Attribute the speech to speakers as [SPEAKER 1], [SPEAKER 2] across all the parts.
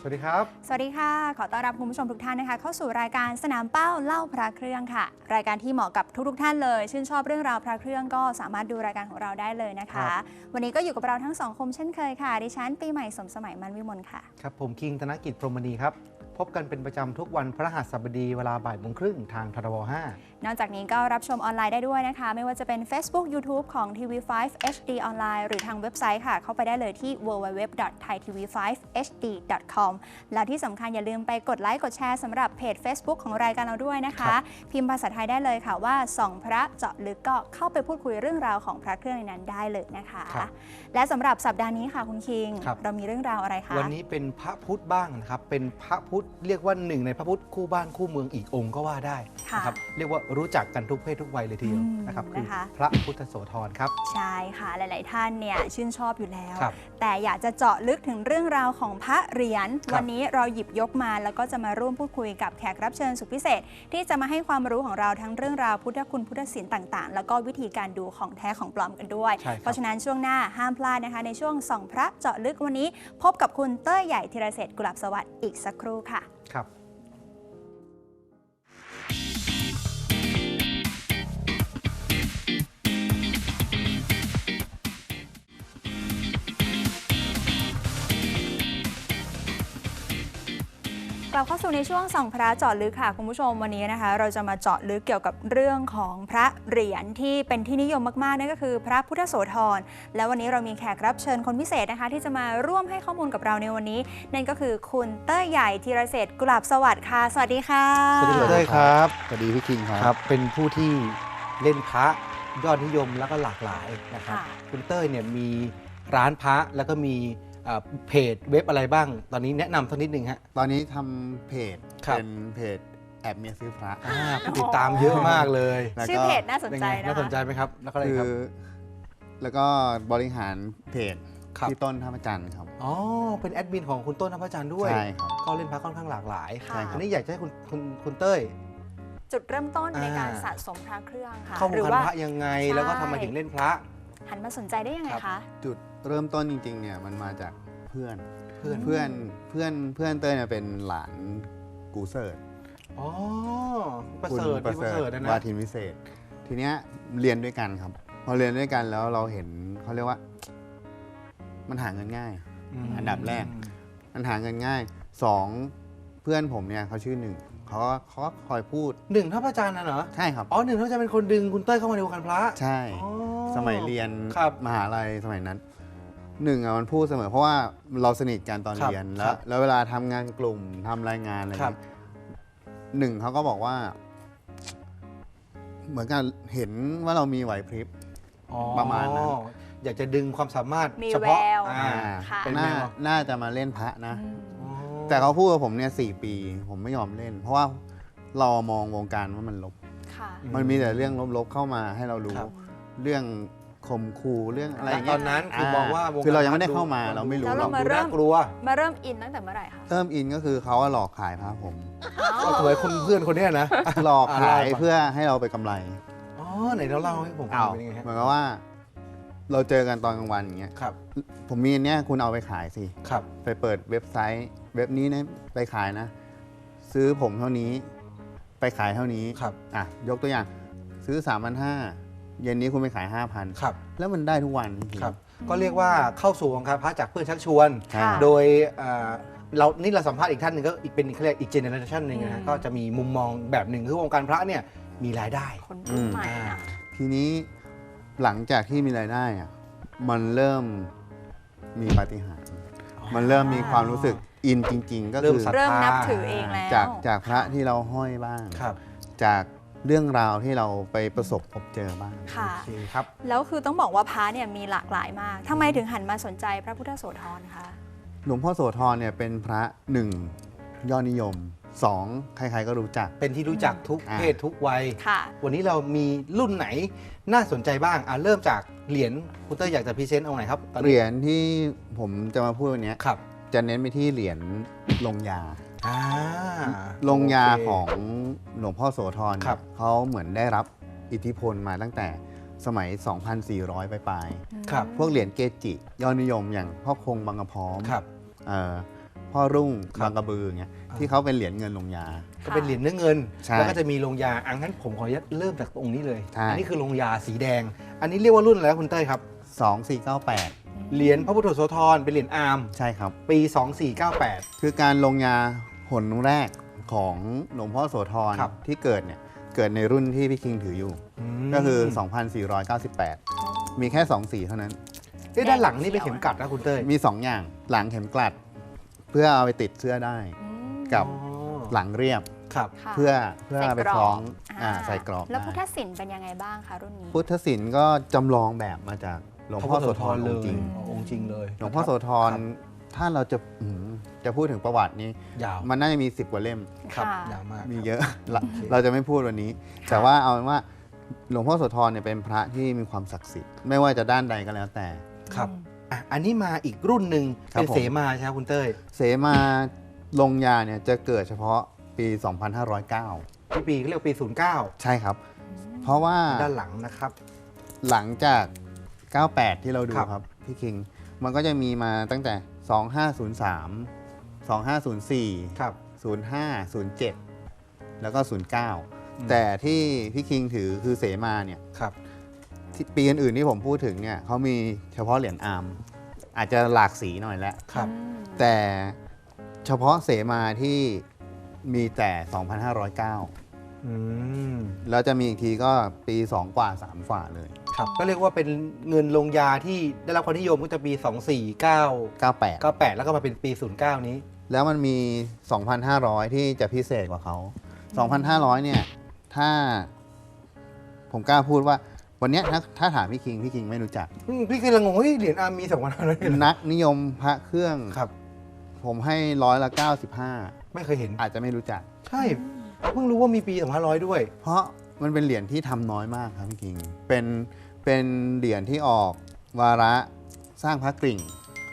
[SPEAKER 1] วัสดีครับ
[SPEAKER 2] สวัสดีค่ะขอต้อนรับคุณผู้ชมทุกท่านนะคะเข้าสู่รายการสนามเป้าเล่าพระเครื่องค่ะรายการที่เหมาะกับทุกท่านเลยชื่นชอบเรื่องราวพระเครื่องก็สามารถดูรายการของเราได้เลยนะคะวันนี้ก็อยู่กับเราทั้งสองคมเช่นเคยค่ะดิฉันปีใหม่สมสมัยมันวิมลค่ะ
[SPEAKER 1] ครับผมคิงธนกิจพรหมณีครับพบกันเป็นประจำทุกวันพฤหัสบดีเวลาบ่ายโมงครึ่งทางทรบ5
[SPEAKER 2] นอกจากนี้ก็รับชมออนไลน์ได้ด้วยนะคะไม่ว่าจะเป็น Facebook YouTube ของ TV5 HD ออนไลน์หรือทางเว็บไซต์ค่ะเข้าไปได้เลยที่ www.thaitv5hd.com แล้วที่สำคัญอย่าลืมไปกดไลค์กดแชร์สำหรับเพจ Facebook ของรายการเราด้วยนะคะพิมพ์ภาษาไทยได้เลยค่ะว่าส่องพระเจาะลึกก็เข้าไปพูดคุยเรื่องราวของพระเครื่องในนั้นได้เลยนะคะและสำหรับสัปดาห์นี้ค่ะคุณคิงเรามีเรื่องราวอะไรคะ
[SPEAKER 1] วันนี้เป็นพระพุทธบ้างนะครับเป็นพระพุทธเรียกว่าหนึ่งในพระพุทธคู่บ้านคู่เมืองอีกองค์ก็ว่าได้นะครับเรียกว่ารู้จักกันทุกเพศทุกวัยเลยทีเดียวนะครับคือพระพุทธโสธรครับ
[SPEAKER 2] ใช่ค่ะหลายๆท่านเนี่ยชื่นชอบอยู่แล้วแต่อยากจะเจาะลึกถึงเรื่องราวของพระเหรียญวันนี้เราหยิบยกมาแล้วก็จะมาร่วมพูดคุยกับแขกรับเชิญสุดพิเศษที่จะมาให้ความรู้ของเราทั้งเรื่องราวพุทธคุณพุทธศิลป์ต่างๆแล้วก็วิธีการดูของแท้ของปลอมกันด้วยเพราะฉะนั้นช่วงหน้าห้ามพลาดนะคะในช่วงส่องพระเจาะลึกวันนี้พบกับคุณเต้ยใหญ่ธีรเศรษฐ์กุหลาบสวัสดิ์อีกสักครู่ค่ะ
[SPEAKER 1] ครับ
[SPEAKER 2] กลับเข้าสู่ในช่วงส่องพระเจาะลึกค่ะคุณผู้ชมวันนี้นะคะเราจะมาเจาะลึกเกี่ยวกับเรื่องของพระเหรียญที่เป็นที่นิยมมากๆนั่นก็คือพระพุทธโสธรและวันนี้เรามีแขกรับเชิญคนพิเศษนะคะที่จะมาร่วมให้ข้อมูลกับเราในวันนี้นั่นก็คือคุณเต้ยใหญ่ธีรเศรษฐ์กุหลาบสวัสดิ์ค่ะสวัสดีค่ะ
[SPEAKER 1] สวัสดีเต้ยครับ
[SPEAKER 3] สวัสดีพี่คิง
[SPEAKER 1] ครับเป็นผู้ที่เล่นพระยอดนิยมแล้วก็หลากหลายนะครับคุณเต้ยเนี่ยมีร้านพระแล้วก็มีเพจเว็บอะไรบ้างตอนนี้แนะนำสักนิดนึงฮะ
[SPEAKER 3] ตอนนี้ทำเพจเป็นเพจแอบเมียซื้อพระ
[SPEAKER 1] ผู้ติดตามเยอะมากเลย
[SPEAKER 2] ชื่อเพจน่าสนใจนะ
[SPEAKER 1] น่าสนใจไหมครับแล้วก็อะไรครับ
[SPEAKER 3] แล้วก็บริหารเพจที่ต้นท่าพระจันทร์ครับ
[SPEAKER 1] อ๋อเป็นแอดมินของคุณต้นท่าพระจันทร์ด้วย
[SPEAKER 3] ใช่ครับ
[SPEAKER 1] ก็เล่นพระค่อนข้างหลากหลายอันนี้อยากจะให้คุณเต้ย
[SPEAKER 2] จุดเริ่มต้นในการสะสมพระเครื่องค่ะ
[SPEAKER 1] เข้าวงการพระยังไงแล้วก็ทำไมถึงเล่นพระ
[SPEAKER 2] หันมาสนใจได้ยังไงคะ
[SPEAKER 3] จุดเริ่มต้นจริงๆเนี่ยมันมาจากเพื่อนเต้ยเนี่ยเป็นหลานกูเซิร์ต
[SPEAKER 1] อ๋อประเสริฐนะ
[SPEAKER 3] วาทินวิเศษทีเนี้ยเรียนด้วยกันครับพอเรียนด้วยกันแล้วเราเห็นเขาเรียกว่ามันหาเงินง่ายอันดับแรกมันหาเงินง่าย2เพื่อนผมเนี่ยเขาชื่อ1เขาก็คอยพูด
[SPEAKER 1] ท่าพระจันทร์นะเหรอ
[SPEAKER 3] ใช่ครับ
[SPEAKER 1] อ๋อท่าพระจันทร์เป็นคนดึงคุณเต้ยเข้ามาในวงการพระ
[SPEAKER 3] ใช่สมัยเรียนมหาลัยสมัยนั้นมันพูดเสมอเพราะว่าเราสนิทกันตอนเรียนแล้วเวลาทำงานกลุ่มทำรายงานอะไรเขาก็บอกว่าเหมือนกันเห็นว่าเรามีไหวพริบประมาณนั้น
[SPEAKER 1] อยากจะดึงความสามารถ
[SPEAKER 2] เฉพาะ
[SPEAKER 3] เป็นน่าจะมาเล่นพระนะแต่เขาพูดกับผมเนี่ย4 ปีผมไม่ยอมเล่นเพราะว่าเรามองวงการว่ามันลบมันมีแต่เรื่องลบๆเข้ามาให้เรารู้เรื่องข่มขู่เรื่องอะไรอย่างเงี้
[SPEAKER 1] ยตอนนั้นคือมองว่า
[SPEAKER 3] คือเรายังไม่ได้เข้ามาเราไม่รู้
[SPEAKER 2] เรา
[SPEAKER 1] ดูน่ากลัว
[SPEAKER 2] มาเริ่มอินตั้งแต่เมื่อไหร่คะ
[SPEAKER 3] เริ่มอินก็คือเขาหลอกขายพระผม
[SPEAKER 1] สวยคนเพื่อนคนนี้นะ
[SPEAKER 3] หลอกขายเพื่อให้เราไปกำไร
[SPEAKER 1] อ๋อไหนเราเล่าให้ผมฟังเป็นยังไง
[SPEAKER 3] เหมือนกับว่าเราเจอกันตอนกลางวันอย่างเงี้ยผมมีอันเนี้ยคุณเอาไปขายสิไปเปิดเว็บไซต์เว็บนี้นะไปขายนะซื้อผมเท่านี้ไปขายเท่านี้ยกตัวอย่างซื้อ 3,500 เย็นนี้คุณไปขาย 5,000 แล้วมันได้ทุกวัน
[SPEAKER 1] ครับก็เรียกว่าเข้าสู่วงการพระจากเพื่อนชักชวนโดยเราสัมภาษณ์อีกท่านหนึ่งก็เป็นเขาเรียกอีกเจเนอเรชันหนึ่งนะก็จะมีมุมมองแบบหนึ่งคือวงการพระเนี่ยมีรายได้
[SPEAKER 2] คนรุ่นใหม่
[SPEAKER 3] ทีนี้หลังจากที่มีรายได้มันเริ่มมีปาฏิหาริย์มันเริ่มมีความรู้สึกอินจริงๆก็คือ
[SPEAKER 2] เริ่มนับถือเองแล้ว
[SPEAKER 3] จากพระที่เราห้อยบ้างจากเรื่องราวที่เราไปประสบพบเจอบ้าง
[SPEAKER 2] ค่ะครับแล้วคือต้องบอกว่าพระเนี่ยมีหลากหลายมากทำไมถึงหันมาสนใจพระพุทธโสธรคะ
[SPEAKER 3] หลวงพ่อโสธรเนี่ยเป็นพระ1ยอดนิยม2ใครๆก็รู้จัก
[SPEAKER 1] เป็นที่รู้จักทุกเพศทุกวัยวันนี้เรามีรุ่นไหนน่าสนใจบ้างเริ่มจากเหรียญคุณเต้ยอยากจะพรีเซนต์เอาไหนครับ
[SPEAKER 3] เหรียญที่ผมจะมาพูดวันนี้จะเน้นไปที่เหรียญลงยาลงยาของหลวงพ่อโสธรเขาเหมือนได้รับอิทธิพลมาตั้งแต่สมัย 2,400 ปลายพวกเหรียญเกจิยอดนิยมอย่างพ่อคงบางกระพร้อมพ่อรุ่ง
[SPEAKER 1] ครับ
[SPEAKER 3] บางกระบืออย่างเงี้ยที่เขาเป็นเหรียญเงินลงยา
[SPEAKER 1] ก็เป็นเหรียญเนื้อเงิน
[SPEAKER 3] ใช่
[SPEAKER 1] แล้วก็จะมีลงยาอังั้นผมขออนุญาตเริ่มจากองค์นี้เลย
[SPEAKER 3] ใช่
[SPEAKER 1] อันี้คือลงยาสีแดง อันนี้เรียกว่ารุ่นอะไรครับคุณเต้ยครับ
[SPEAKER 3] 2498
[SPEAKER 1] เหรียญพระพุทธโสธรเป็นเหรียญอาร์ม
[SPEAKER 3] ใช่ครับ
[SPEAKER 1] ปี 2498
[SPEAKER 3] คือการลงยาหนแรกของหลวงพ่อโสธร
[SPEAKER 1] ครับ
[SPEAKER 3] ที่เกิดเนี่ยเกิดในรุ่นที่พี่คิงถืออยู่
[SPEAKER 1] ม
[SPEAKER 3] ก็คือ 2498 มีแค่ 2 สีเท่านั้น
[SPEAKER 1] เอ๊ะด้านหลังนี่เป็นเข็มกลัดนะคุณเต้ย
[SPEAKER 3] มี 2 อย่างหลังเข็มกลัด เพื่อเอาไปติดเสื้อได้ กับ
[SPEAKER 1] อ๋อ
[SPEAKER 3] หลังเรียบ
[SPEAKER 1] ครับ
[SPEAKER 2] ค่ะ
[SPEAKER 3] เพื่อเอาไปคล้อง
[SPEAKER 2] อ่า
[SPEAKER 3] ใส่กรอบ
[SPEAKER 2] แล้ว
[SPEAKER 3] ได้
[SPEAKER 2] พุทธศิลป์เป็นยังไงบ้างคะรุ่นนี้
[SPEAKER 3] พุทธศิลป์ก็จำลองแบบมาจากหลวงพ่อโสธร
[SPEAKER 1] เล
[SPEAKER 3] องค์จริ
[SPEAKER 1] ย
[SPEAKER 3] ง
[SPEAKER 1] องค์จริงเลย
[SPEAKER 3] หลวงพ่อโสธร
[SPEAKER 1] ครับ
[SPEAKER 3] ถ้าเราจะพูดถึงประวัตินี้
[SPEAKER 1] ยาว
[SPEAKER 3] มันน่าจะมี 10 กว่าเล่ม
[SPEAKER 1] ครับ
[SPEAKER 2] ค่ะ
[SPEAKER 1] ยาวมาก
[SPEAKER 3] มี
[SPEAKER 1] ครับ
[SPEAKER 3] เยอะ เรา
[SPEAKER 1] โอเค
[SPEAKER 3] เราจะไม่พูดวันนี้ แต่ว่าเอาเป็นว่าหลวงพ่อโสธรเนี่ยเป็นพระที่มีความศักดิ์สิทธิ์ไม่ว่าจะด้านใดก็แล้วแต่
[SPEAKER 1] ครับอ่ะอันนี้มาอีกรุ่นหนึ่ง
[SPEAKER 3] ครับ
[SPEAKER 1] เป็น
[SPEAKER 3] ผม
[SPEAKER 1] เสมาใช่ไหมคุณเต้ย
[SPEAKER 3] เสมาลงยาเนี่ยจะเกิดเฉพาะปี 2509
[SPEAKER 1] ที่ปีเขาเรียกปี 09
[SPEAKER 3] ใช่ครับ เพราะว่า
[SPEAKER 1] ด้านหลังนะครับ
[SPEAKER 3] หลังจาก 98 ที่เราดู
[SPEAKER 1] ครับ
[SPEAKER 3] ครับพี่คิง มันก็จะมีมาตั้งแต่ 2503 2504
[SPEAKER 1] ครับ
[SPEAKER 3] 05 07 แล้วก็ 09 แต่ที่พี่คิงถือคือเสมาเนี่ย
[SPEAKER 1] ครับ
[SPEAKER 3] ที่ปีอื่นๆที่ผมพูดถึงเนี่ยเขามีเฉพาะเหรียญอาร์มอาจจะหลากสีหน่อยแล้ว
[SPEAKER 1] ครับ
[SPEAKER 3] แต่เฉพาะเสมาที่มีแต่ 2,509
[SPEAKER 1] อืม
[SPEAKER 3] แล้วจะมีอีกทีก็ปี 2 กว่า 3 กว่าเลย
[SPEAKER 1] ครับก็เรียกว่าเป็นเงินลงยาที่ได้รับความนิยมก็จะปี 2498
[SPEAKER 3] 98
[SPEAKER 1] แล้วก็มาเป็นปี 09 นี้
[SPEAKER 3] แล้วมันมี 2,500 ที่จะพิเศษกว่าเขา 2,500 เนี่ย ถ้าผมกล้าพูดว่าวันเนี้ยถ้าถามพี่คิงไม่รู้จัก
[SPEAKER 1] พี่คือละงงเฮ้ยเหรียญอาร์มมี2,500เลยเหรอ
[SPEAKER 3] นักนิยมพระเครื่อง
[SPEAKER 1] ครับ
[SPEAKER 3] ผมให้95
[SPEAKER 1] ไม่เคยเห็น
[SPEAKER 3] อาจจะไม่รู้จัก
[SPEAKER 1] ใช่เพิ่งรู้ว่ามีปี 2,500 ด้วย
[SPEAKER 3] เพราะมันเป็นเหรียญที่ทำน้อยมากครับพี่คิง เป็นเหรียญที่ออกวาระสร้างพระกริ่ง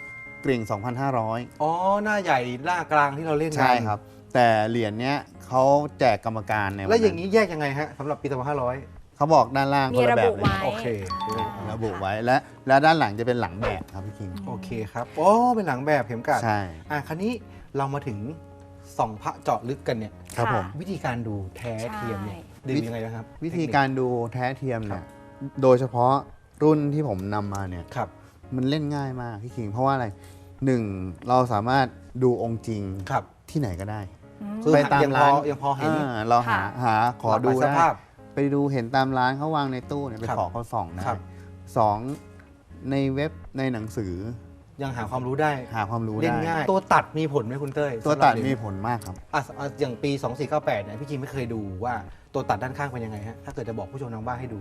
[SPEAKER 3] 2,500
[SPEAKER 1] อ๋อ หน้าใหญ่หน้ากลางที่เราเล่นกัน
[SPEAKER 3] ใช่ครับ แต่เหรียญเนี้ยเขาแจกกรรมการในวัน
[SPEAKER 1] แล้วอย่าง
[SPEAKER 3] นี้
[SPEAKER 1] นี้แยกยังไงฮะสำหรับปี 2,500
[SPEAKER 3] เขาบอกด้านล่าง
[SPEAKER 2] มี
[SPEAKER 3] คนละ
[SPEAKER 2] ระ
[SPEAKER 3] แบ
[SPEAKER 2] บุ
[SPEAKER 3] บเลย
[SPEAKER 2] ไว้
[SPEAKER 1] โอเค
[SPEAKER 3] ระบุไว้และด้านหลังจะเป็นหลังแบบครับพี่คิง
[SPEAKER 1] โอเคครับโอ้เป็นหลังแบบเข็มกลัด
[SPEAKER 3] ใช่
[SPEAKER 1] คราวนี้เรามาถึงส่องพระเจาะลึกกันเนี่ย
[SPEAKER 3] ครับ
[SPEAKER 2] ค่ะ
[SPEAKER 3] ผม
[SPEAKER 1] วิธีการดูแท้เทียมเนี่ยดูยังไงนะครับ
[SPEAKER 3] วิธีการดูแท้เทียมเนี่ยโดยเฉพาะรุ่นที่ผมนำมาเนี่ย
[SPEAKER 1] ครับ
[SPEAKER 3] มันเล่นง่ายมากพี่คิง เพราะว่าอะไรหนึ่งเราสามารถดูองค์จริง
[SPEAKER 1] ครับ
[SPEAKER 3] ที่ไหนก็ได้
[SPEAKER 1] คือ
[SPEAKER 3] ไปตาม
[SPEAKER 1] ยังพ
[SPEAKER 3] ร้า
[SPEAKER 1] อน ยังพอเห็น
[SPEAKER 3] เราหา
[SPEAKER 2] ค่ะ
[SPEAKER 3] หาขอดู
[SPEAKER 1] หลากหลายส
[SPEAKER 3] ได้
[SPEAKER 1] ภาพ
[SPEAKER 3] ไปดูเห็นตามร้านเขาวางในตู้เนี่ยไป
[SPEAKER 1] ครับ
[SPEAKER 3] ขอเขาส่องได้
[SPEAKER 1] ครับ
[SPEAKER 3] สองในเว็บในหนังสือ
[SPEAKER 1] ยังหาความรู้ได้
[SPEAKER 3] หาความรู้
[SPEAKER 1] เล่น
[SPEAKER 3] ได้
[SPEAKER 1] ง่าย ตัวตัดมีผลไหมคุณเต้ย
[SPEAKER 3] ตัวตัด
[SPEAKER 1] สำหรับเหรี
[SPEAKER 3] มี
[SPEAKER 1] ยญ
[SPEAKER 3] ผลมากครับ
[SPEAKER 1] อย่างปี 2498เนี่ยพี่คิมไม่เคยดูว่าตัวตัดด้านข้างเป็นยังไงฮะถ้าเกิดจะบอกผู้ชมทางบ้านให้ดู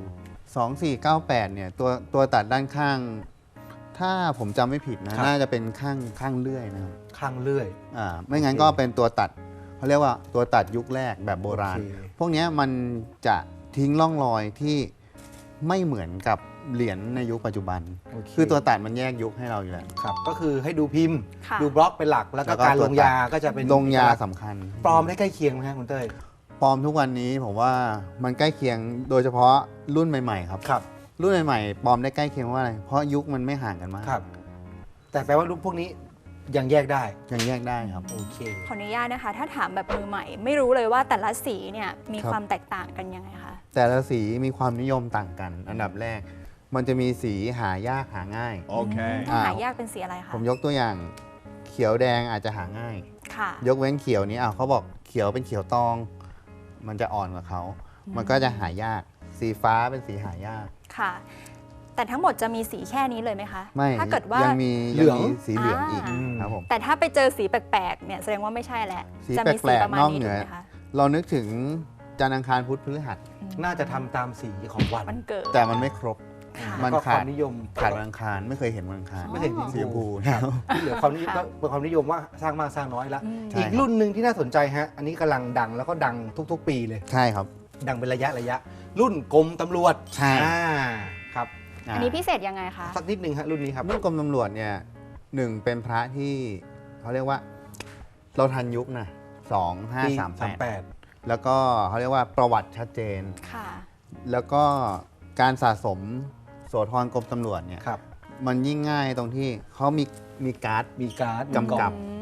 [SPEAKER 3] 2498 เนี่ยตัวตัดด้านข้าง ถ้าผมจำไม่ผิดนะครับ น่าจะเป็นข้างเลื่อยนะครับ
[SPEAKER 1] ข้างเลื่อย
[SPEAKER 3] ไม่งั้น
[SPEAKER 1] โอเค
[SPEAKER 3] ก็เป็นตัวตัดเขาเรียกว่าตัวตัดยุคแรกแบบโบราณ
[SPEAKER 1] โอเค
[SPEAKER 3] พวกเนี้ยมันจะทิ้งร่องรอยที่ไม่เหมือนกับเหรียญในยุคปัจจุบัน
[SPEAKER 1] โเ
[SPEAKER 3] คือตัวตัดมันแยกยุคให้เราอยู่แล้ว
[SPEAKER 1] ครับก็คือให้ดูพิมพ์
[SPEAKER 2] ค่ะ
[SPEAKER 1] ดูบล็อกเป็นหลักแล้วก็
[SPEAKER 3] แล้วก็
[SPEAKER 1] การ
[SPEAKER 3] ตัว
[SPEAKER 1] ล
[SPEAKER 3] ตั
[SPEAKER 1] ง
[SPEAKER 3] ด
[SPEAKER 1] ยาก็จะเป็น
[SPEAKER 3] ลงยา
[SPEAKER 1] เอกลักษณ์
[SPEAKER 3] สำคัญ
[SPEAKER 1] ปลอมได้ใกล้เคียงไหมครับคุณเต้ย
[SPEAKER 3] ปลอมทุกวันนี้ผมว่ามันใกล้เคียงโดยเฉพาะรุ่นใหม่ๆครับ
[SPEAKER 1] ครับ
[SPEAKER 3] รุ่นใหม่ๆปลอมได้ใกล้เคียงเพราะอะไรเพราะยุคมันไม่ห่างกันมาก
[SPEAKER 1] ครับ แต่แปลว่ารูปพวกนี้ยังแยกได้
[SPEAKER 3] ยังแยกได้ครับ
[SPEAKER 1] โอเค
[SPEAKER 2] ขออนุญาตนะคะ ถ้าถามแบบมือใหม่ ไม่รู้เลยว่าแต่ละสีเนี่ยมี
[SPEAKER 3] ครับ
[SPEAKER 2] ความแตกต่างกันยังไงคะ
[SPEAKER 3] แต่ละสีมีความนิยมต่างกัน อันดับแรก มันจะมีสีหายากหาง่าย
[SPEAKER 2] ถ้าหายากเป็นสีอะไรคะ
[SPEAKER 3] ผมยกตัวอย่างเขียวแดงอาจจะหาง่าย
[SPEAKER 2] ค่ะ
[SPEAKER 3] ยกเว้นเขียวนี้เขาบอกเขียวเป็นเขียวตอง มันจะอ่อนกว่าเขา มันก็จะหายาก สีฟ้าเป็นสีหายาก
[SPEAKER 2] ค่ะ แต่ทั้งหมดจะมีสีแค่นี้เลยไหมคะ
[SPEAKER 3] ไม่
[SPEAKER 2] ถ้าเกิดว่า
[SPEAKER 3] ยังมี
[SPEAKER 1] เหลือง
[SPEAKER 3] สีเหลืองอีก
[SPEAKER 2] อ่า
[SPEAKER 3] ครับผม
[SPEAKER 2] แต่ถ้าไปเจอสีแปลกๆเนี่ยแสดงว่าไม่ใช่แหละ
[SPEAKER 3] สี
[SPEAKER 2] จะมี
[SPEAKER 3] แปลกๆ
[SPEAKER 2] ประมาณ
[SPEAKER 3] นอก
[SPEAKER 2] นี้
[SPEAKER 3] เหนื
[SPEAKER 2] ถูก
[SPEAKER 3] อ
[SPEAKER 2] ไหมคะ
[SPEAKER 3] เรานึกถึงจันทร์อังคารพุธพฤหัส
[SPEAKER 1] น่าจะทำตามสีของวัน
[SPEAKER 2] วันเกิด
[SPEAKER 3] แต่มันไม่ครบ
[SPEAKER 2] ค่ะ
[SPEAKER 3] มัน
[SPEAKER 1] ก็ค
[SPEAKER 3] ขาด
[SPEAKER 1] วามนิยม
[SPEAKER 3] ขาดวันอังคารไม่เคยเห็นวันอังคาร
[SPEAKER 1] ไม่เห็น
[SPEAKER 3] สีชมพู
[SPEAKER 1] ที่เหลือความนิยม
[SPEAKER 2] ค่ะ
[SPEAKER 1] ก็เป็นความนิยมว่าสร้างมากสร้างน้อยละ
[SPEAKER 2] อืม
[SPEAKER 3] ใช่
[SPEAKER 1] อีกรุ่นหนึ่งที่น่าสนใจฮะ อันนี้กำลังดังแล้วก็ดังทุกๆ ปีเลย
[SPEAKER 3] ใช่ครับ
[SPEAKER 1] ดังเป็นระยะ รุ่นกรมตำรวจ
[SPEAKER 3] ใช่
[SPEAKER 1] ครับ
[SPEAKER 2] อันนี้พิเศษยังไงคะ
[SPEAKER 1] สักนิดนึงฮะรุ่นนี้ครับ
[SPEAKER 3] รุ่นกรมตำรวจเนี่ยหนึ่งเป็นพระที่เขาเรียกว่าเราทันยุคนะ
[SPEAKER 1] ปี
[SPEAKER 3] 2538 แล้วก็เขาเรียกว่าประวัติชัดเจน
[SPEAKER 2] ค่ะ
[SPEAKER 3] แล้วก็การสะสมโสธรกรมตำรวจเนี่ย
[SPEAKER 1] ครับ
[SPEAKER 3] มันยิ่งง่ายตรงที่เขามีการ์ด
[SPEAKER 1] มีการ์ด
[SPEAKER 3] กำกับ
[SPEAKER 2] อืม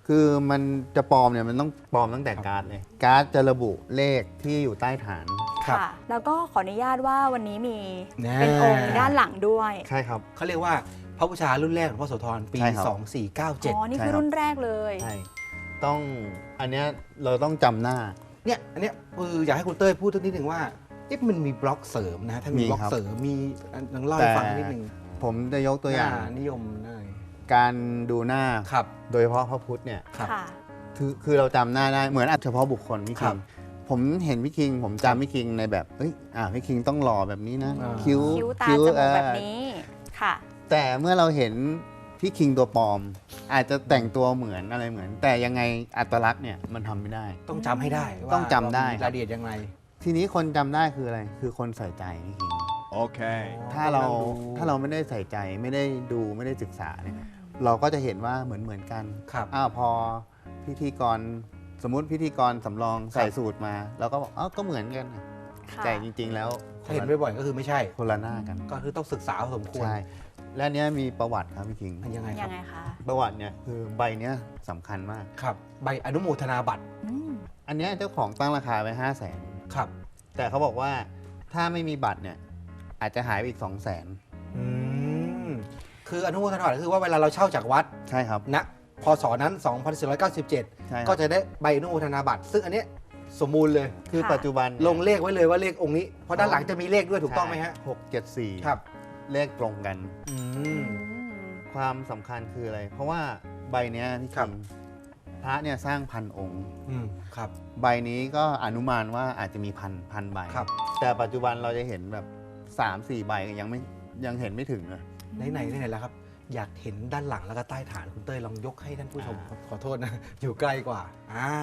[SPEAKER 3] คือมันจะปลอมเนี่ยมันต้องปลอมตั้งแต่การ์ดเลย การ์ดจะระบุเลขที่อยู่ใต้ฐาน
[SPEAKER 1] ครับ
[SPEAKER 2] ค่ะ แล้วก็ขออนุญาตว่าวันนี้มี
[SPEAKER 1] แน่
[SPEAKER 2] เป็นองค์ด้านหลังด้วย
[SPEAKER 3] ใช่ครับ
[SPEAKER 1] เขาเรียกว่าพระบูชารุ่นแรกของพ่อโสธรปี
[SPEAKER 3] ใช่ครับ
[SPEAKER 2] อ๋อ
[SPEAKER 1] 2497
[SPEAKER 2] นี่
[SPEAKER 3] ใช่
[SPEAKER 2] คือ
[SPEAKER 3] ครับ
[SPEAKER 2] รุ่นแรกเลย
[SPEAKER 3] ใช่ต้องอันเนี้ยเราต้องจำหน้า
[SPEAKER 1] เนี่ยอันเนี้ยอยากให้คุณเต้ยพูดสักนิดหนึ่งว่ามันมีบล็อกเสริมนะถ้ามี
[SPEAKER 3] มี
[SPEAKER 1] บล็อก
[SPEAKER 3] ครับ
[SPEAKER 1] เสริมมีลองเล่าให้ฟังนิดหนึ่ง
[SPEAKER 3] ผมจะยกตัวอย่าง
[SPEAKER 1] นิยมหน่อย
[SPEAKER 3] การดูหน้า
[SPEAKER 1] ครับ
[SPEAKER 3] โดยเฉพาะพระพุทธเนี่ย
[SPEAKER 1] ครับ
[SPEAKER 2] ค่ะ
[SPEAKER 3] คือเราจำหน้าได้เหมือนเฉพาะบุคคลพี่
[SPEAKER 1] ครั
[SPEAKER 3] คิ
[SPEAKER 1] บ
[SPEAKER 3] งผมเห็นพี่คิง ผมจำพี่คิงในแบบพี่คิงต้องหล่อแบบนี้นะ
[SPEAKER 1] อ่า
[SPEAKER 3] คิ้ว
[SPEAKER 2] คิ้วตาจมูกแบบนี้ ค่ะ
[SPEAKER 3] แต่เมื่อเราเห็นพี่คิงตัวปลอม อาจจะแต่งตัวเหมือนอะไรเหมือน แต่ยังไงอัตลักษณ์เนี่ยมันทำไม่ได้
[SPEAKER 1] ต้องจำให้ได้ว่า
[SPEAKER 3] ต้องจำได้
[SPEAKER 1] รายละเอียดยังไง
[SPEAKER 3] ทีนี้คนจำได้คืออะไร คือคนใส่ใจพี่คิง
[SPEAKER 4] Okay.
[SPEAKER 3] ถ้าเราไม่ได้ใส่ใจไม่ได้ดูไม่ได้ศึกษาเนี่ยเราก็จะเห็นว่าเหมือนกัน
[SPEAKER 1] ครับ
[SPEAKER 3] พอพิธีกรสมมุติพิธีกรสำรองใส่สูตรมาเราก็บอกก็เหมือนกันนะ
[SPEAKER 2] ค่ะ
[SPEAKER 3] แต่จริงๆแล้ว
[SPEAKER 1] ถ้าเห็นบ่อยๆก็คือไม่ใช่
[SPEAKER 3] คนละหน้ากัน
[SPEAKER 1] ก็คือต้องศึกษาพอสมควร
[SPEAKER 3] ใช่และเนี้ยมีประวัติครับพี่คิง
[SPEAKER 1] มันยังไงค
[SPEAKER 2] ยั
[SPEAKER 1] รับ
[SPEAKER 2] งไงคะ
[SPEAKER 3] ประวัติเนี่ยคือใบเนี้ยสำคัญมาก
[SPEAKER 1] ครับ ใบอนุโมทนาบัตร
[SPEAKER 2] อืม
[SPEAKER 3] อันเนี้ยเจ้าของตั้งราคาไว้500,000
[SPEAKER 1] ครับ
[SPEAKER 3] แต่เขาบอกว่าถ้าไม่มีบัตรเนี่ยอาจจะหายไปอีก200,000
[SPEAKER 1] อืมคืออนุโมทนาบัตรคือว่าเวลาเราเช่าจากวัด
[SPEAKER 3] ใช่ครับ
[SPEAKER 1] ณพศนั้น 2497
[SPEAKER 3] ใช่ครับ
[SPEAKER 1] ก็จะได้ใบอนุโมทนาบัตร ซึ่งอันเนี้ยสมบูรณ์เลย
[SPEAKER 3] คือ
[SPEAKER 2] ค่ะ
[SPEAKER 3] ปัจจุบัน
[SPEAKER 1] ลงเลขไว้เลยว่าเลของค์นี้ เพราะด้านหลังจะมีเลขด้วยถูกต้องไหมฮะ
[SPEAKER 3] 674
[SPEAKER 1] ครับ
[SPEAKER 3] เลขตรงกัน
[SPEAKER 1] อื
[SPEAKER 2] อื
[SPEAKER 1] ม
[SPEAKER 2] ม
[SPEAKER 3] ความสำคัญคืออะไร เพราะว่าใบเนี้ยพี่
[SPEAKER 1] ครั
[SPEAKER 3] คิ
[SPEAKER 1] บ
[SPEAKER 3] งพระเนี่ยสร้างพันองค์
[SPEAKER 1] อืมครับ
[SPEAKER 3] ใบนี้ก็อนุมานว่าอาจจะมีพันใบ
[SPEAKER 1] ครับ
[SPEAKER 3] แต่ปัจจุบันเราจะเห็นแบบ 3-4 ใบยังเห็นไม่ถึงเลย
[SPEAKER 1] ไหนแล้วครับ อยากเห็นด้านหลังแล้วก็ใต้ฐานคุณเต้ยลองยกให้ท่านผู้ชมขอโทษนะ อยู่ใกล้กว่า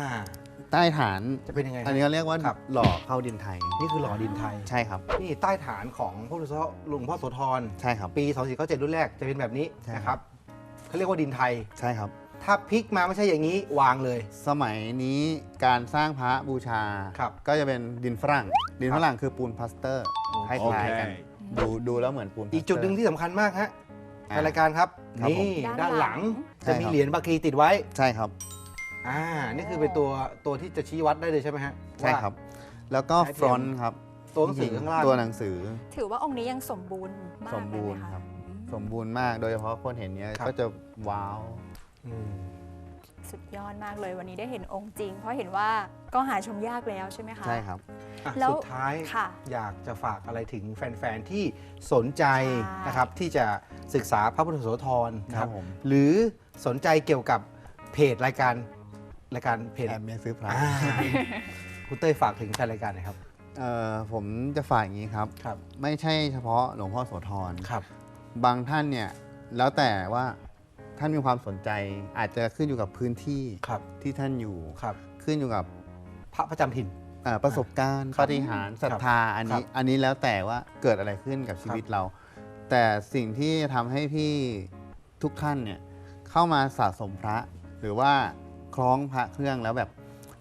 [SPEAKER 3] ใต้ฐาน
[SPEAKER 1] จะเป็นยังไง
[SPEAKER 3] อันนี้เขาเรียกว่า
[SPEAKER 1] ครับ
[SPEAKER 3] หล่อเข้าดินไทย
[SPEAKER 1] นี่คือหล่อดินไทย
[SPEAKER 3] ใช่ครับ
[SPEAKER 1] นี่ใต้ฐานของพระหลวงพ่อโสธร
[SPEAKER 3] ใช่ครับ
[SPEAKER 1] ปี 2497 รุ่นแรกจะเป็นแบบนี้
[SPEAKER 3] ใช่
[SPEAKER 1] นะครับเขาเรียกว่าดินไทย
[SPEAKER 3] ใช่ครับ
[SPEAKER 1] ถ้าพลิกมาไม่ใช่อย่างนี้วางเลย
[SPEAKER 3] สมัยนี้การสร้างพระบูชา
[SPEAKER 1] ครับ
[SPEAKER 3] ก็จะเป็นดินฝรั่ง ดิน
[SPEAKER 1] ครับ
[SPEAKER 3] ฝรั่งคือปูนพลาสเตอร์คล้ายๆกัน
[SPEAKER 4] Okay.
[SPEAKER 3] ดูแล้วเหมือนปูนพลาสเตอร์
[SPEAKER 1] อีกจุดหนึ่งที่สำคัญมากฮะ
[SPEAKER 3] อ่า
[SPEAKER 1] ในรายการครับ
[SPEAKER 3] ครับผม
[SPEAKER 1] นี่ด้านหลัง
[SPEAKER 3] ใช่
[SPEAKER 1] จะ
[SPEAKER 3] ครับ
[SPEAKER 1] มีเหรียญบาคีติดไว้
[SPEAKER 3] ใช่ครับ
[SPEAKER 1] นี่คือเป็นตัวที่จะชี้วัดได้เลยใช่ไหมฮะ
[SPEAKER 3] ใช่ครับ แล้วก็
[SPEAKER 1] ใช้เทียม
[SPEAKER 3] ฟรอนต์ครับ
[SPEAKER 1] ตัวหนังสือข้างล่าง
[SPEAKER 3] ตัวหนังสือ
[SPEAKER 2] ถือว่าองค์นี้ยังสมบูรณ์มาก
[SPEAKER 3] สมบูรณ์
[SPEAKER 2] เลยไห
[SPEAKER 3] ครับ
[SPEAKER 2] อืม
[SPEAKER 3] สมบูรณ์มากโดยเฉพาะคนเห็นเนี้ยก็จะว้าว
[SPEAKER 1] อืม
[SPEAKER 2] สุดยอดมากเลยวันนี้ได้เห็นองค์จริง เพราะเห็นว่าก็หาชมยากแล้วใช่ไหมคะ
[SPEAKER 3] ใช่ครับ
[SPEAKER 1] อ่ะ
[SPEAKER 2] แล้ว
[SPEAKER 1] สุดท้าย
[SPEAKER 2] ค่ะ
[SPEAKER 1] อยากจะฝากอะไรถึงแฟน ๆ ที่สนใจ
[SPEAKER 2] ใช่
[SPEAKER 1] นะครับที่จะศึกษาพระพุทธโสธรนะค
[SPEAKER 3] ครั
[SPEAKER 1] รับบ
[SPEAKER 3] ผม
[SPEAKER 1] หรือสนใจเกี่ยวกับเพจรายการเพจ
[SPEAKER 3] แอบเมียซื้อพระ
[SPEAKER 1] อ่าคุณเต้ยฝากถึงแฟนรายการหน่อยครับ
[SPEAKER 3] ผมจะฝากอย่างนี้ครับ
[SPEAKER 1] ครับ
[SPEAKER 3] ไม่ใช่เฉพาะหลวงพ่อโสธร
[SPEAKER 1] ครับ
[SPEAKER 3] บางท่านเนี่ยแล้วแต่ว่าท่านมีความสนใจอาจจะขึ้นอยู่กับพื้นที่
[SPEAKER 1] ครับ
[SPEAKER 3] ที่ท่านอยู่
[SPEAKER 1] ครับ
[SPEAKER 3] ขึ้นอยู่กับ
[SPEAKER 1] พระประจำถิ่น
[SPEAKER 3] ประสบการณ์
[SPEAKER 1] ครับ
[SPEAKER 3] ปาฏิหาริย์ศรัทธาอัน
[SPEAKER 1] ครั
[SPEAKER 3] นี้
[SPEAKER 1] บ
[SPEAKER 3] อันนี้แล้วแต่ว่าเกิดอะไรขึ้นกับชีวิตเรา แต่สิ่งที่ทำให้พี่ทุกท่านเนี่ยเข้ามาสะสมพระ หรือว่าคล้องพระเครื่องแล้วแบบ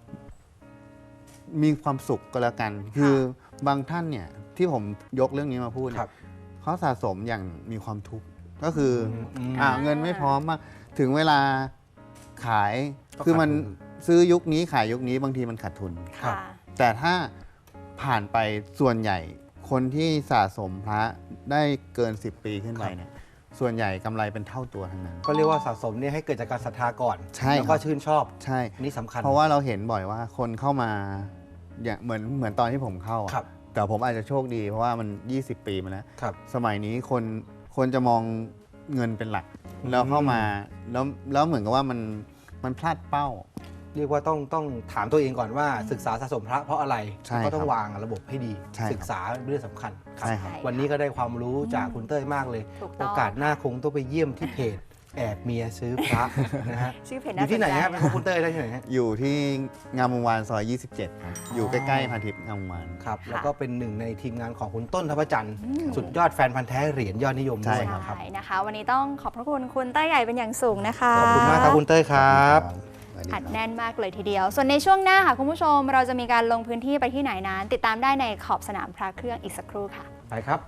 [SPEAKER 3] มีความสุขก็แล้วกัน คือบางท่านเนี่ยที่ผมยกเรื่องนี้มาพูดเนี่
[SPEAKER 1] ครั
[SPEAKER 3] ย
[SPEAKER 1] บ
[SPEAKER 3] เขาสะสมอย่างมีความทุกข์ก็คืออ
[SPEAKER 1] ม
[SPEAKER 3] เงินไม่พร้อมมากถึงเวลาขาย
[SPEAKER 1] ก็
[SPEAKER 3] คือมัน
[SPEAKER 1] ขาดทุน
[SPEAKER 3] ซื้อยุคนี้ขายยุคนี้บางทีมันขาดทุน
[SPEAKER 1] ครับ
[SPEAKER 2] ค่ะ
[SPEAKER 3] แต่ถ้าผ่านไปส่วนใหญ่คนที่สะสมพระได้เกิน 10 ปีขึ้นไปเนี่ยส่วนใหญ่กำไรเป็นเท่าตัวทั้งนั้น
[SPEAKER 1] ก็เรียกว่าสะสมเนี่ยให้เกิดจากการศรัทธาก่อน
[SPEAKER 3] ใช่
[SPEAKER 1] แล้วก็
[SPEAKER 3] ครับ
[SPEAKER 1] ชื่นชอบ
[SPEAKER 3] ใช่
[SPEAKER 1] นี่สำคัญ
[SPEAKER 3] เพราะว่าเราเห็นบ่อยว่าคนเข้ามาอย่างเหมือนตอนที่ผมเข้าอะ
[SPEAKER 1] ครับ
[SPEAKER 3] แต่ผมอาจจะโชคดีเพราะว่ามัน 20 ปีมาแล้ว
[SPEAKER 1] ครับ
[SPEAKER 3] สมัยนี้คนจะมองเงินเป็นหลัก
[SPEAKER 1] อืม
[SPEAKER 3] แล้วเข้ามาแล้วเหมือนกับว่ามันพลาดเป้า
[SPEAKER 1] เรียกว่าต้องถามตัวเองก่อนว่าศึกษาสะสมพระเพราะอะไร
[SPEAKER 3] ใช่
[SPEAKER 1] ก็ต้อง
[SPEAKER 3] ครับ
[SPEAKER 1] วางระบบให้ดี
[SPEAKER 3] ใช่ครับ
[SPEAKER 1] ศึกษาเรื่องสำคัญครับ
[SPEAKER 3] ใช่ครับ
[SPEAKER 1] วันนี้ก็ได้ความรู้จากคุณเต้ยมากเลย
[SPEAKER 2] ถูกต้
[SPEAKER 1] โอ
[SPEAKER 2] อง
[SPEAKER 1] กาสหน้าคงต้องไปเยี่ยมที่เพจแอบเมียซื้อพระนะฮะ
[SPEAKER 2] ชื่อเพจ
[SPEAKER 1] อ
[SPEAKER 2] น่า
[SPEAKER 1] ยู่ที่ไหน
[SPEAKER 2] สใจ
[SPEAKER 1] ฮะเป็นของคุณเต้ยได้ที่ไหนฮะ
[SPEAKER 3] อยู่ที่งามวงวานซอย 27 ครับ อยู่ใกล้ๆพันทิพย์งามวงวาน
[SPEAKER 1] ครับ
[SPEAKER 2] ค่ะ
[SPEAKER 1] แล้วก็เป็นหนึ่งในทีมงานของคุณต้นทัพจันทร์สุดยอดแฟนพันธ์แท้เหรียญยอดนิยม
[SPEAKER 3] ใช่
[SPEAKER 1] ด้วย
[SPEAKER 3] ครับ
[SPEAKER 1] นะครับ
[SPEAKER 2] ใช่นะคะ วันนี้ต้องขอบพระคุณคุณเต้ยใหญ่เป็นอย่างสูงนะคะ
[SPEAKER 1] ขอบคุณมากครับคุณเต้ยครับ
[SPEAKER 3] สวัสดี
[SPEAKER 2] อัด
[SPEAKER 3] ครับ
[SPEAKER 2] แน่นมากเลยทีเดียว ส่วนในช่วงหน้าค่ะคุณผู้ชม เราจะมีการลงพื้นที่ไปที่ไหนนั้น ติดตามได้ในขอบสนามพระเครื่องอีกสักครู่ค่ะ
[SPEAKER 1] ไปครับ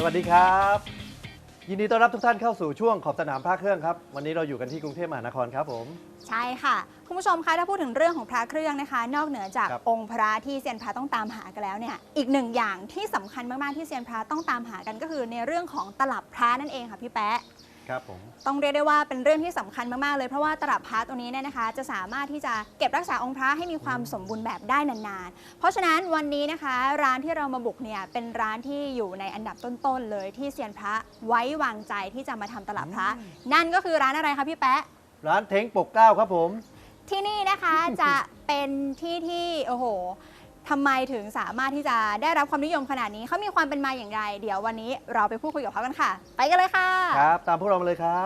[SPEAKER 4] วัสดีครับยินดีต้อนรับทุกท่านเข้าสู่ช่วงขอบสนามพระเครื่องครับวันนี้เราอยู่กันที่กรุงเทพมหานครครับผม
[SPEAKER 2] ใช่ค่ะคุณผู้ชมคะถ้าพูดถึงเรื่องของพระเครื่องนะคะ นอกเหนือจาก
[SPEAKER 4] ครับ
[SPEAKER 2] องค์พระที่เซียนพระต้องตามหากันแล้วเนี่ยอีกหนึ่งอย่างที่สำคัญมากๆที่เซียนพระต้องตามหากันก็คือในเรื่องของตลับพระนั่นเองค่ะพี่แป๊ะ
[SPEAKER 4] ครับผม
[SPEAKER 2] ต้องเรียกได้ว่าเป็นเรื่องที่สำคัญมากๆเลยเพราะว่าตลับพระตัวนี้เนี่ยนะคะ จะสามารถที่จะเก็บรักษาองค์พระให้มีความสมบูรณ์แบบได้นานๆเพราะฉะนั้นวันนี้นะคะร้านที่เรามาบุกเนี่ยเป็นร้านที่อยู่ในอันดับต้นๆเลยที่เซียนพระไว้วางใจที่จะมาทำตลับพระนั่นก็คือร้านอะไรคะพี่แป๊ะ
[SPEAKER 4] ร้านเท้งปกเกล้าครับผม
[SPEAKER 2] ที่นี่นะคะจะเป็นที่ที่โอ้โหทำไมถึงสามารถที่จะได้รับความนิยมขนาดนี้เขามีความเป็นมาอย่างไร เดี๋ยววันนี้เราไปพูดคุยกับเขากันค่ะ ไปกันเลยค่ะ
[SPEAKER 4] ครับตามพวกเรามาเลยครับ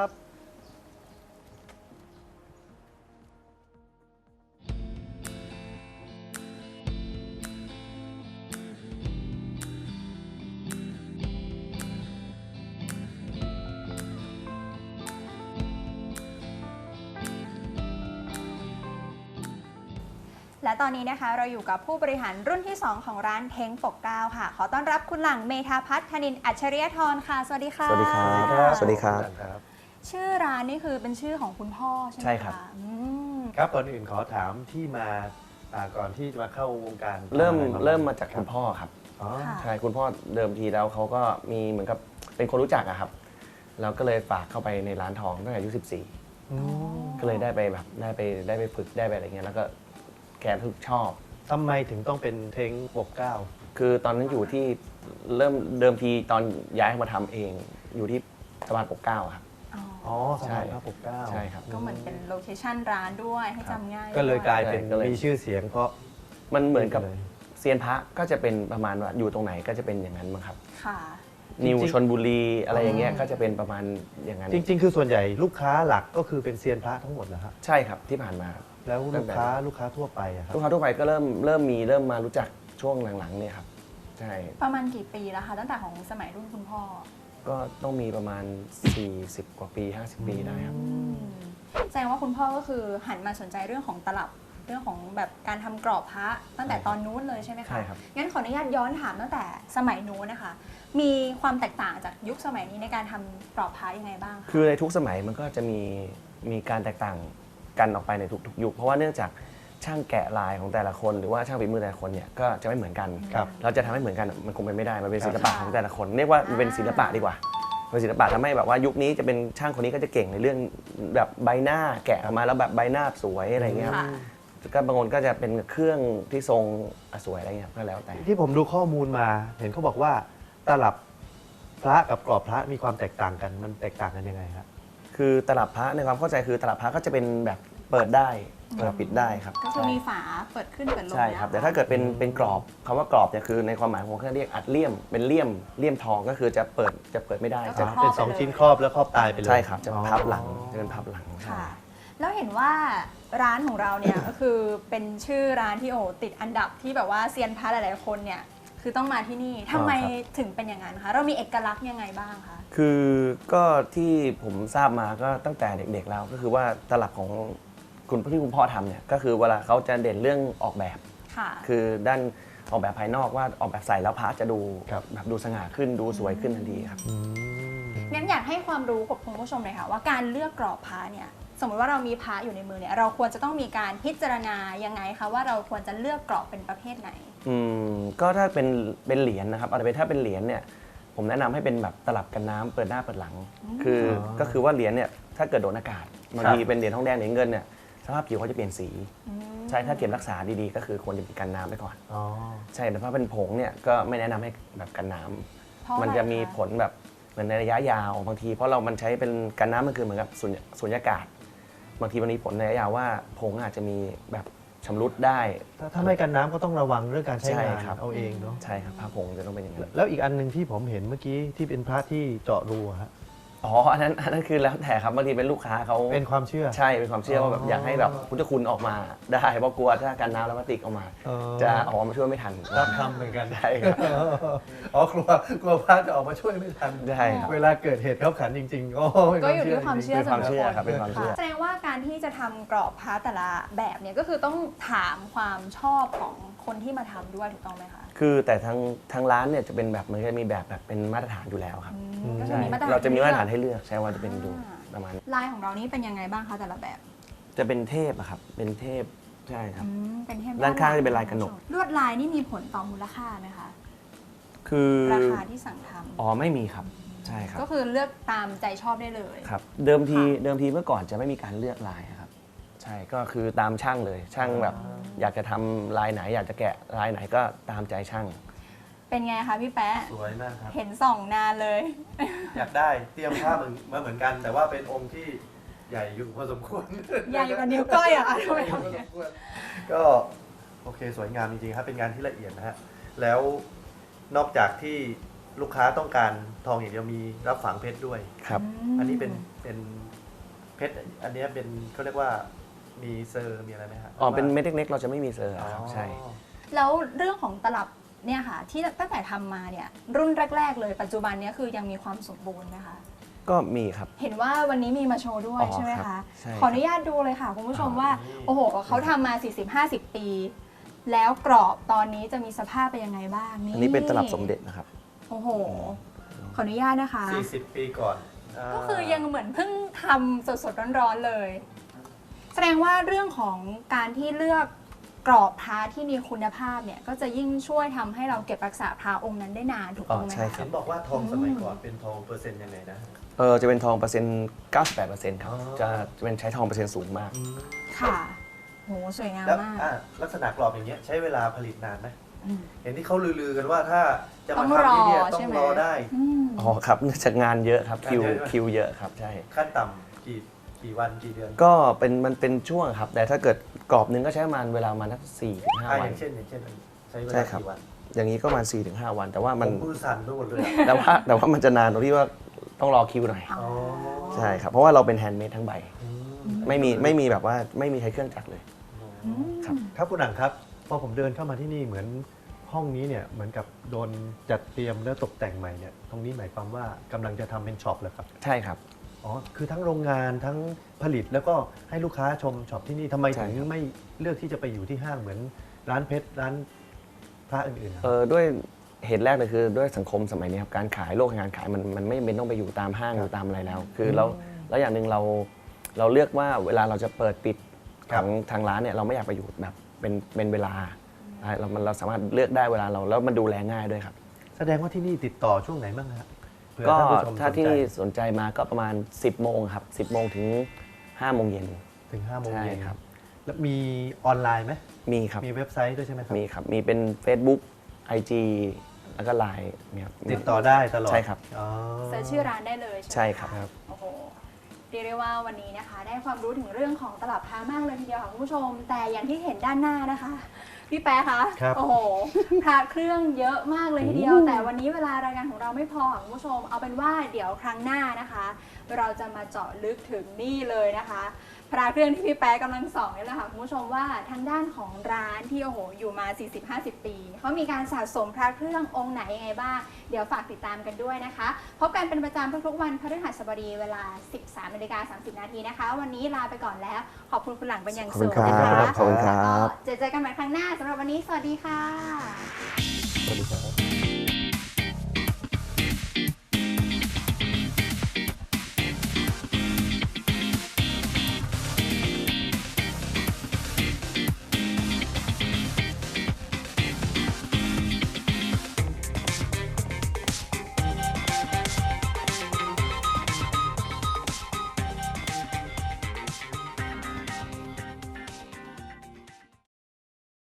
[SPEAKER 2] และตอนนี้นะคะเราอยู่กับผู้บริหารรุ่นที่ 2 ของร้านเท้งปกเกล้าค่ะ ขอต้อนรับคุณหลังเมธาพัฒน์ธนินทร์อัจฉริยธรค่ะ สวัสดีค่ะ
[SPEAKER 5] สวัสดีครับ สวัสดีครับ
[SPEAKER 2] ชื่อร้านนี่คือเป็นชื่อของคุณพ่อใช่ไหมคะ
[SPEAKER 5] ใช่ครับ
[SPEAKER 2] อืม
[SPEAKER 4] ครับก่อนอื่นขอถามที่มาก่อนที่จะมาเข้าวงการ
[SPEAKER 5] เริ่ม
[SPEAKER 4] อะไร
[SPEAKER 5] เริ่มมาจากคุณพ่อครับ
[SPEAKER 4] อ๋อ
[SPEAKER 2] ค่ะ
[SPEAKER 5] ใช่คุณพ่อเดิมทีแล้วเขาก็มีเหมือนกับเป็นคนรู้จักอะครับเราก็เลยฝากเข้าไปในร้านทองตั้งแต่อายุ14 ก็เลยได้ไปแบบได้ไปฝึกได้ไปอะไรเงี้ยแล้วก็แกทุกชอบ
[SPEAKER 4] ทำไมถึงต้องเป็นเท้งปกเกล้า
[SPEAKER 5] คือตอนนั้นอยู่ที่เริ่มเดิมทีตอนย้ายมาทำเองอยู่ที่สะพานปกเกล้าครับ
[SPEAKER 2] อ๋อ
[SPEAKER 4] อ๋อสมัยพระปกเกล้า
[SPEAKER 5] ใช่ครับ
[SPEAKER 2] ก็เหมือนเป็นโลเคชั่นร้านด้วยให้จำง่าย
[SPEAKER 4] ก็เลย
[SPEAKER 2] ด้วย
[SPEAKER 4] กลายเป็น
[SPEAKER 5] ก็เลย
[SPEAKER 4] มีชื่อเสียงเพราะ
[SPEAKER 5] มันเหมือนกับ
[SPEAKER 4] เลย
[SPEAKER 5] เซียนพระก็จะเป็นประมาณว่าอยู่ตรงไหนก็จะเป็นอย่างนั้นมั้งครับ
[SPEAKER 2] ค่ะ
[SPEAKER 5] นิว
[SPEAKER 4] จริงๆ
[SPEAKER 5] ชนบุรีอะไรอย่างเงี้ยก็จะเป็นประมาณอย่างนั้น
[SPEAKER 4] จริง ๆ คือส่วนใหญ่ลูกค้าหลักก็คือเป็นเซียนพระทั้งหมดนะครับ
[SPEAKER 5] ใช่ครับที่ผ่านมา
[SPEAKER 4] แล้วลูกค้าทั่วไปอะครับ
[SPEAKER 5] ลูกค้าทั่วไปก็เริ่มมารู้จักช่วงหลังๆเนี่ยครับใช่
[SPEAKER 2] ประมาณกี่ปีแล้วคะตั้งแต่ของสมัยรุ่นคุณพ่อ
[SPEAKER 5] ก็ต้องมีประมาณ 40 กว่าปี 50 ปีได้ครับ
[SPEAKER 2] แสดงว่าคุณพ่อก็คือหันมาสนใจเรื่องของตลับเรื่องของแบบการทำกรอบพระตั้งแต่ตอนนู้นเลยใช่ไหมคะ
[SPEAKER 5] ใช่ครับ
[SPEAKER 2] งั้นขออนุญาตย้อนถามตั้งแต่สมัยนู้นนะคะ มีความแตกต่างจากยุคสมัยนี้ในการทำกรอบพระยังไงบ้างคะ
[SPEAKER 5] คือในทุกสมัยมันก็จะมีการแตกต่างกันออกไปในทุกๆยุคเพราะว่าเนื่องจากช่างแกะลายของแต่ละคน หรือว่าช่างฝีมือแต่ละคนเนี่ยก็จะไม่เหมือนกัน
[SPEAKER 4] ครับ
[SPEAKER 5] เราจะทำให้เหมือนกันมันคงเป็นไม่ได้มันเป็นศิลปะของแต่ละคนเรียกว่ามันเป็นศิลปะดีกว่าเป็นศิลปะทำให้แบบว่ายุคนี้จะเป็นช่างคนนี้ก็จะเก่งในเรื่องแบบใบหน้าแกะออกมาแล้วแบบใบหน้าสวยอะไรเงี้ยครับ
[SPEAKER 2] ค่ะ
[SPEAKER 5] ก็บางคนก็จะเป็นเครื่องที่ทรงสวยอะไรเงี้ยก็แล้วแต่
[SPEAKER 4] ที่ผมดูข้อมูลมาเห็นเขาบอกว่าตลับพระกับกรอบพระมีความแตกต่างกันมันแตกต่างกันยังไงครับ
[SPEAKER 5] คือตลับพระในความเข้าใจคือตลับพระก็จะเป็นแบบเปิดได้เปิดปิดได้ครับ
[SPEAKER 2] ก็คือมีฝาเปิดขึ้นเปิดลง
[SPEAKER 5] ใช่ครับแต่ถ้าเกิดเป็นกรอบคำว่ากรอบเนี่ยคือในความหมายของผมเขาเรียกอัดเลี่ยมเป็นเลี่ยมทองก็คือจะเปิดไม่ได้
[SPEAKER 2] ก็
[SPEAKER 5] จะ
[SPEAKER 2] จะครอบ
[SPEAKER 4] เป็น
[SPEAKER 2] ไป
[SPEAKER 4] สอง
[SPEAKER 2] เลย
[SPEAKER 4] ชิ้นครอบแล้วครอบตายไปเลย
[SPEAKER 5] ใช่ครับจะ
[SPEAKER 4] อ๋อ
[SPEAKER 5] พับหลังจะเป็นพับหลังใช่
[SPEAKER 2] ค่ะ แล้วเห็นว่าร้านของเราเนี่ย ก็คือเป็นชื่อร้านที่โอ้โหติดอันดับที่แบบว่าเซียนพระหลายๆคนเนี่ยคือต้องมาที่นี่ทำไมถึงเป็นอย่างนั้นคะเรามีเอกลักษณ์ยังไงบ้างคะ
[SPEAKER 5] คือก็ที่ผมทราบมาก็ตั้งแต่เด็กๆแล้วก็คือว่าตลับของคุณพ่อทำเนี่ยก็คือเวลาเขาจะเด่นเรื่องออกแบบ
[SPEAKER 2] ค่ะ
[SPEAKER 5] คือด้านออกแบบภายนอกว่าออกแบบใส่แล้วพระจะดู
[SPEAKER 4] ครับ
[SPEAKER 5] แบบดูสง่าขึ้นดูสวยขึ้นทันทีครับ
[SPEAKER 2] งั้นอยากให้ความรู้กับคุณผู้ชมเลยค่ะว่าการเลือกกรอบพระเนี่ยสมมติว่าเรามีพระอยู่ในมือเนี่ยเราควรจะต้องมีการพิจารณายังไงคะว่าเราควรจะเลือกกรอบเป็นประเภทไหน
[SPEAKER 5] ก็ถ้าเป็นเหรียญนะครับถ้าเป็นเหรียญเนี่ยผมแนะนำให้เป็นแบบตลับกันน้ำเปิดหน้าเปิดหลัง ก็คือว่าเหรียญเนี่ยถ้าเกิดโดนอากาศบางทีเป็นเหรียญทองแดงเหรียญเงินเนี่ยสภาพผิวเขาจะเปลี่ยนสี ใช่ถ้าเก็บรักษาดีๆ ก็คือควรจะมีกันน้ำไปก่อน
[SPEAKER 4] อ๋อ
[SPEAKER 5] ใช่แต่ถ้าเป็นผงเนี่ยก็ไม่แนะนำให้แบบกันน้ำ
[SPEAKER 2] เพราะอะไร
[SPEAKER 5] มันจะมี
[SPEAKER 2] คะ
[SPEAKER 5] ผลแบบเหมือนในระยะยาวบางทีเพราะมันใช้เป็นกันน้ำมันคือเหมือนกับสุญญากาศ บางทีมันมีผลในระยะยาวว่าผงอาจจะมีแบบชำรุดได้
[SPEAKER 4] ถ้าไม่กันน้ำก็ต้องระวังเรื่องการใช้งาน
[SPEAKER 5] ใช่ครับ
[SPEAKER 4] เอาเองเนาะ
[SPEAKER 5] ใช่ครับผ้าผงจะต้องเป็นอย่างนั้น
[SPEAKER 4] แล้วอีกอันหนึ่งที่ผมเห็นเมื่อกี้ที่เป็นพระที่เจาะรูอะฮะ
[SPEAKER 5] อ๋ออันนั้นคือแล้วแต่ครับบางทีเป็นลูกค้าเขา
[SPEAKER 4] เป็นความเชื่อ
[SPEAKER 5] ใช่เป็นความเชื่อว่าแบบอยากให้แบบพุทธคุณออกมาได้เพราะกลัวถ้ากันน้ำแล้วพลาสติกออกมา
[SPEAKER 4] อ๋อ
[SPEAKER 5] จะออกมาช่วยไม่ทัน
[SPEAKER 4] รับทำเหมือนกัน
[SPEAKER 5] ใช่ครับ
[SPEAKER 4] อ๋อกลัวพระจะออกมาช่วยไม่ทัน
[SPEAKER 5] ใช่ครับ
[SPEAKER 4] เวลาเกิดเหตุเข้าขันจริงๆ
[SPEAKER 2] ก็อยู่ที่ความเชื่อ
[SPEAKER 5] เป็นความเชื่อครับ
[SPEAKER 2] ส่
[SPEAKER 5] เป็
[SPEAKER 2] วน
[SPEAKER 5] ความเชื่อ
[SPEAKER 2] แสดงว่าการที่จะทำกรอบพระแต่ละแบบเนี่ยก็คือต้องถามความชอบของคคนที่มาทำด้วยถูกต้องไหมคะ
[SPEAKER 5] คือแต่ทางร้านเนี่ยจะเป็นแบบมันก็จะมีแบบเป็นมาตรฐานอยู่แล้วครับ
[SPEAKER 2] ก็จะ
[SPEAKER 5] ใช่
[SPEAKER 2] มีมาตรฐาน
[SPEAKER 5] เราจะมีมาตรฐานให้เลือกใช่ว่าจะเป็นอยู่ประมาณ
[SPEAKER 2] ลายของเรานี่เป็นยังไงบ้างคะแต่ละแบบ
[SPEAKER 5] จะเป็นเทพอะครับเป็นเทพใช่ครับ
[SPEAKER 2] เป็นเทพ
[SPEAKER 5] ด้านข้างจะเป็นลายกระหนก
[SPEAKER 2] ลวดลายนี่มีผลต่อมูลค่าไหมคะ
[SPEAKER 5] คือ
[SPEAKER 2] ราคาที่สั่งทำ
[SPEAKER 5] อ๋อไม่มีครับใช่ครับ
[SPEAKER 2] ก็คือเลือกตามใจชอบได้เลย
[SPEAKER 5] ครับเดิมทีเมื่อก่อนจะไม่มีการเลือกลายครับใช่ก็คือตามช่างเลยช่างแบบอยากจะทำลายไหน อยากจะแกะลายไหนก็ตามใจช่าง
[SPEAKER 2] เป็นไงคะพี่แป๊ะ
[SPEAKER 4] สวยมากครับ
[SPEAKER 2] เห็นส่องนานเลย
[SPEAKER 4] อยากได้เตรียมผ้ามาเหมือนกัน แต่ว่าเป็นองค์ที่ใหญ่อยู่พอสมควร
[SPEAKER 2] ใหญ่กว่านิ้วก้อยอ่ะทำไมทำอย่างนี้
[SPEAKER 4] ก็โอเคสวยงามจริงๆครับเป็นงานที่ละเอียดนะฮะแล้วนอกจากที่ลูกค้าต้องการทองอย่างเดียวมีรับฝังเพชรด้วย
[SPEAKER 5] ครับ
[SPEAKER 4] อันนี้เป็นเพชรอันนี้เป็นเขาเรียกว่ามีเซอร์มีอะไรไหมฮะ
[SPEAKER 5] อ๋อเป็นเม็ดเล็กๆเราจะไม่มีเซอร์ครับใช่
[SPEAKER 2] แล้วเรื่องของตลับเนี่ยค่ะ ที่ตั้งแต่ทำมาเนี่ยรุ่นแรก ๆ เลยปัจจุบันเนี้คือยังมีความสมบูรณ์นะคะ
[SPEAKER 5] ก็มีครับ
[SPEAKER 2] เห็นว่าวันนี้มีมาโชว์ด้วย
[SPEAKER 5] อ๋อ
[SPEAKER 2] ใช่ไหม
[SPEAKER 5] ครั
[SPEAKER 2] คะ
[SPEAKER 5] บใช่
[SPEAKER 2] ขออนุญาตดูเลยค่ะคุณผู้ชมว่าโอ้โหเขาทำมา 40-50 ปี แล้วกรอบตอนนี้จะมีสภาพเป็นยังไงบ้าง
[SPEAKER 5] อันนี้เป็นตลับสมเด็จนะครับ
[SPEAKER 2] โอ้โหขออนุญาตนะคะ
[SPEAKER 4] 40 ปีก่อน
[SPEAKER 2] ก็คือยังเหมือนเพิ่งทำสดๆร้อนๆเลย แสดงว่าเรื่องของการที่เลือกกรอบพระที่มีคุณภาพเนี่ยก็จะยิ่งช่วยทำให้เราเก็บรักษาพระองค์นั้นได้นานถูกต้องไหม
[SPEAKER 5] อ๋อใช่
[SPEAKER 2] คะ
[SPEAKER 5] ครั
[SPEAKER 4] เห็นบอกว่าทองสมัยก่อนเป็นทองเปอร์เซ็นต์ยังไงนะ
[SPEAKER 5] จะเป็นทองเปอร์เซ็นต์ 98%ครับ
[SPEAKER 4] อ๋อ
[SPEAKER 5] จะเป็นใช้ทองเปอร์เซ็นต์สูงมาก
[SPEAKER 2] ค่ะโหสวยงาม
[SPEAKER 4] แล้ว
[SPEAKER 2] มาก
[SPEAKER 4] ลักษณะกรอบอย่างเงี้ยใช้เวลาผลิตนานไหม
[SPEAKER 2] อืม
[SPEAKER 4] เห็นที่เขาลือๆกันว่าถ้าจะ
[SPEAKER 2] ต้
[SPEAKER 4] มา
[SPEAKER 2] องรอ
[SPEAKER 4] ทำที่เนี่ยต้อ
[SPEAKER 2] ใช่
[SPEAKER 4] ง
[SPEAKER 2] ไหม
[SPEAKER 4] รอได้
[SPEAKER 2] อืม
[SPEAKER 5] อ๋อครับเนื่องจากงานเยอะครับคิว
[SPEAKER 4] งานเยอะ
[SPEAKER 5] คิวเยอะครับใช่
[SPEAKER 4] ขั้นต่ำกี่วันกี่เดือน
[SPEAKER 5] ก็มันเป็นช่วงครับ แต่ถ้าเกิดกรอบหนึงก็ใช้ประมาณเวลาประมาณสัก4-5
[SPEAKER 4] อ
[SPEAKER 5] วั
[SPEAKER 4] ย่าน งเช่นใช้เว
[SPEAKER 5] ใช่
[SPEAKER 4] ลา
[SPEAKER 5] ครับ
[SPEAKER 4] กี่วัน
[SPEAKER 5] อย่างนี้ก็ประมาณ4-5 วัน แต่ว่า
[SPEAKER 4] ผ
[SPEAKER 5] มัน
[SPEAKER 4] มมือสั่นไปหมดเลย
[SPEAKER 5] แต่ว่ามันจะนานตรงที่ว่าต้องรอคิวหน่อย
[SPEAKER 2] อ๋อ
[SPEAKER 5] ใช่ครับ เพราะว่าเราเป็นแฮนด์เมดทั้งใบ
[SPEAKER 4] อืม
[SPEAKER 5] ไม่มีแบบว่าไม่มีใช้เครื่องจักรเลย
[SPEAKER 2] อืม
[SPEAKER 5] ครับ
[SPEAKER 6] ครับคุณหนังครับพอผมเดินเข้ามาที่นี่เหมือนห้องนี้เนี่ยเหมือนกับโดนจัดเตรียมและตกแต่งใหม่เนี่ยตรงนี้หมายความว่ากำลังจะทำเป็นช็อปเหรอครับ
[SPEAKER 5] ใช่ครับ
[SPEAKER 6] อ๋อคือทั้งโรงงานทั้งผลิตแล้วก็ให้ลูกค้าชมช็อปที่นี่ทำไม
[SPEAKER 5] ใช่
[SPEAKER 6] ถึง
[SPEAKER 5] ครับ
[SPEAKER 6] ไม่เลือกที่จะไปอยู่ที่ห้างเหมือนร้านเพชรร้านพระอื่นๆครับ
[SPEAKER 5] ด้วยเหตุแรกเลยคือด้วยสังคมสมัยนี้ครับการขายโลกแห่งการขายมันไม่เป็นต้องไปอยู่ตามห้างหรือตามอะไรแล้ว คือแล้วอย่างหนึ่งเราเลือกว่าเวลาเราจะเปิดปิดของทางร้านเนี่ยเราไม่อยากไปอยู่แบบเป็นเวลาเราสามารถเลือกได้เวลาเราแล้วมันดูแลง่ายด้วยครับ
[SPEAKER 6] แสดงว่าที่นี่ติดต่อช่วงไหนบ้างครับเผื่อ
[SPEAKER 5] ก็
[SPEAKER 6] ท่านผู้ชม
[SPEAKER 5] ถ้า
[SPEAKER 6] สน
[SPEAKER 5] ที่
[SPEAKER 6] ใจ
[SPEAKER 5] สนใจมาก็ประมาณ 10 โมงครับ 10 โมงถึง 5 โมงเย็น
[SPEAKER 6] ถึง5 โมง
[SPEAKER 5] ใช่
[SPEAKER 6] เย็น
[SPEAKER 5] ครับ
[SPEAKER 6] แล้วมีออนไลน์ไหม
[SPEAKER 5] มีครับ
[SPEAKER 6] มีเว็บไซต์ด้วยใช่ไหมครับ
[SPEAKER 5] มีครับ มีเป็น Facebook IG แล้วก็ Line เนี่ยครับ
[SPEAKER 6] ติดต่อได้ตลอด
[SPEAKER 5] ใช่ครับ
[SPEAKER 6] อ๋อ
[SPEAKER 2] เสิร์ชชื่อร้านได้เลยใช่ไหม
[SPEAKER 5] ใช่ครับ
[SPEAKER 2] ะโอ้โหเรียกได้ว่าวันนี้นะคะ ได้ความรู้ถึงเรื่องของตลับพระมากเลยทีเดียวค่ะคุณผู้ชม แต่อย่างที่เห็นด้านหน้านะคะ พี่แป๊ะคะ
[SPEAKER 6] ครับ
[SPEAKER 2] โอ้โหพระเครื่องเยอะมากเลยทีเดียว แต่วันนี้เวลารายการของเราไม่พอค่ะคุณผู้ชม เอาเป็นว่าเดี๋ยวครั้งหน้านะคะ เราจะมาเจาะลึกถึงนี่เลยนะคะ พระเครื่องที่พี่แป๊ะกำลังส่องนี่แหละค่ะคุณผู้ชมว่าทางด้านของร้านที่โอ้โหอยู่มา 40-50 ปีเขามีการสะสมพระเครื่ององค์ไหนยังไงบ้างเดี๋ยวฝากติดตามกันด้วยนะคะพบกันเป็นประจำทุกๆวันพฤหัสบดีเวลา 13:30 นาทีนะคะ วันนี้ลาไปก่อนแล้วขอบคุณคุณหลังเป็นอย่างสูงนะคะ
[SPEAKER 5] ขอบคุณครับ
[SPEAKER 2] แล้วก็เจอกันใหม่ครั้งหน้าสำหรับวันนี้สวัสดีค่ะ
[SPEAKER 5] สวัสดีครับ